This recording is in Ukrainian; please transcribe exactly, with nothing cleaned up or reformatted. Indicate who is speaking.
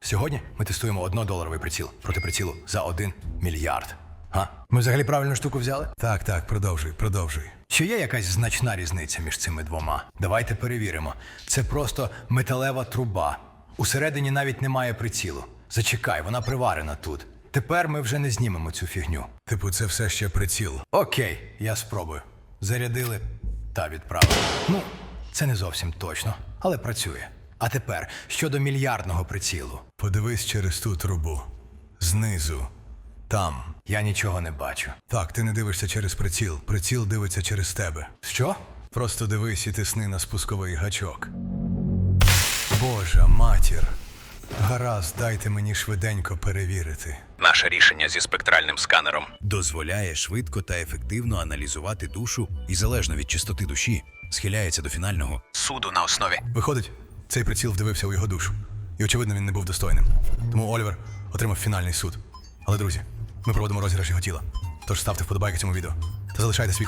Speaker 1: Сьогодні ми тестуємо однодоларовий приціл проти прицілу за один мільярд. Га? Ми взагалі правильну штуку взяли?
Speaker 2: Так, так, продовжуй, продовжуй.
Speaker 1: Чи є якась значна різниця між цими двома? Давайте перевіримо. Це просто металева труба. Усередині навіть немає прицілу. Зачекай, вона приварена тут. Тепер ми вже не знімемо цю фігню.
Speaker 2: Типу, це все ще приціл.
Speaker 1: Окей, я спробую. Зарядили та відправили. Ну, це не зовсім точно, але працює. А тепер щодо мільярдного прицілу.
Speaker 2: Подивись через ту трубу. Знизу. Там.
Speaker 1: Я нічого не бачу.
Speaker 2: Так, ти не дивишся через приціл. Приціл дивиться через тебе.
Speaker 1: Що?
Speaker 2: Просто дивись і тисни на спусковий гачок. Божа матір. Гаразд, дайте мені швиденько перевірити.
Speaker 3: Наше рішення зі спектральним сканером
Speaker 4: Дозволяє швидко та ефективно аналізувати душу і, залежно від чистоти душі, схиляється до фінального.
Speaker 3: суду на основі.
Speaker 2: Виходить, цей приціл вдивився у його душу. І, очевидно, він не був достойним. Тому Олівер отримав фінальний суд. Але, друзі, ми проводимо розіграш його тіла. Тож ставте вподобайки цьому відео та залишайте свій